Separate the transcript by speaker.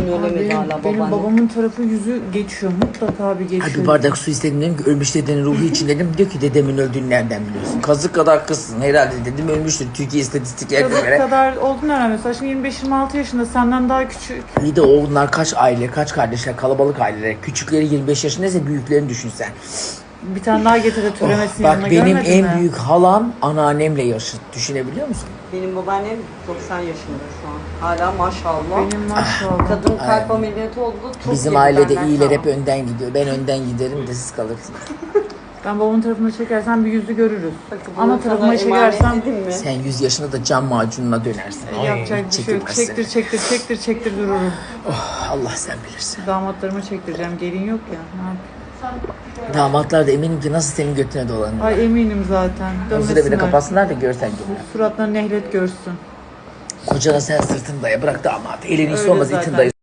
Speaker 1: ölemedi hala
Speaker 2: Benim
Speaker 1: babaannem.
Speaker 2: babamın tarafı yüzü geçiyor. Mutlaka bir geçiyor.
Speaker 3: Ay bir bardak su istedim dedim ki ölmüş dedenin ruhu için dedim. Diyor ki dedemin öldüğünü nereden biliyorsun? Kazık kadar kızsın herhalde dedim, ölmüştür Türkiye istatistiklerine
Speaker 2: Kazık
Speaker 3: göre.
Speaker 2: kadar oldun herhalde. Mesela şimdi 25-26 yaşında, senden daha küçük.
Speaker 3: Bir de onlar kaç aile, kaç kardeşler, kalabalık aileler. Küçükleri 25 yaşındaysa büyüklerini düşünsen.
Speaker 2: Bir tane daha getir de türemesin
Speaker 3: Bak
Speaker 2: yanına,
Speaker 3: benim
Speaker 2: görmedin
Speaker 3: en
Speaker 2: mi?
Speaker 3: büyük halam anneannemle yaşıt. Düşünebiliyor musun?
Speaker 1: Benim babaannem 90 yaşında şu an. Hala maşallah.
Speaker 2: Benim maşallah.
Speaker 1: Kadın kalp ameliyatı oldu. Çok
Speaker 3: Bizim
Speaker 1: yedi
Speaker 3: ailede
Speaker 1: benden
Speaker 3: iyiler
Speaker 1: sonra.
Speaker 3: hep önden gidiyor. Ben önden giderim de siz kalırsınız.
Speaker 2: Ben babamın tarafına çekersen bir yüzü görürüz.
Speaker 1: Bakın
Speaker 2: Ana
Speaker 1: bunu
Speaker 2: tarafına
Speaker 1: sana
Speaker 2: çekersem
Speaker 1: emanet edeyim mi?
Speaker 3: Sen 100 yaşında da cam macununa dönersin. Ay,
Speaker 2: yapacak
Speaker 3: hiç
Speaker 2: bir şey yok.
Speaker 3: çekilmezsin.
Speaker 2: Çektir dururum.
Speaker 3: Oh, Allah sen bilirsin.
Speaker 2: Damatlarıma çektireceğim. Gelin yok ya. Ne yapayım?
Speaker 3: Damatlar da eminim ki nasıl senin götüne dolanıyor.
Speaker 2: Ay eminim zaten.
Speaker 3: Huzura bile
Speaker 2: Dönmesinler.
Speaker 3: kapatsınlar da görsen gibi.
Speaker 2: Suratlarını nehlet görsün.
Speaker 3: Kocana sen sırtını daya, bırak damat. Elin iyisi
Speaker 2: Öyle
Speaker 3: olmaz
Speaker 2: zaten.
Speaker 3: itin dayı.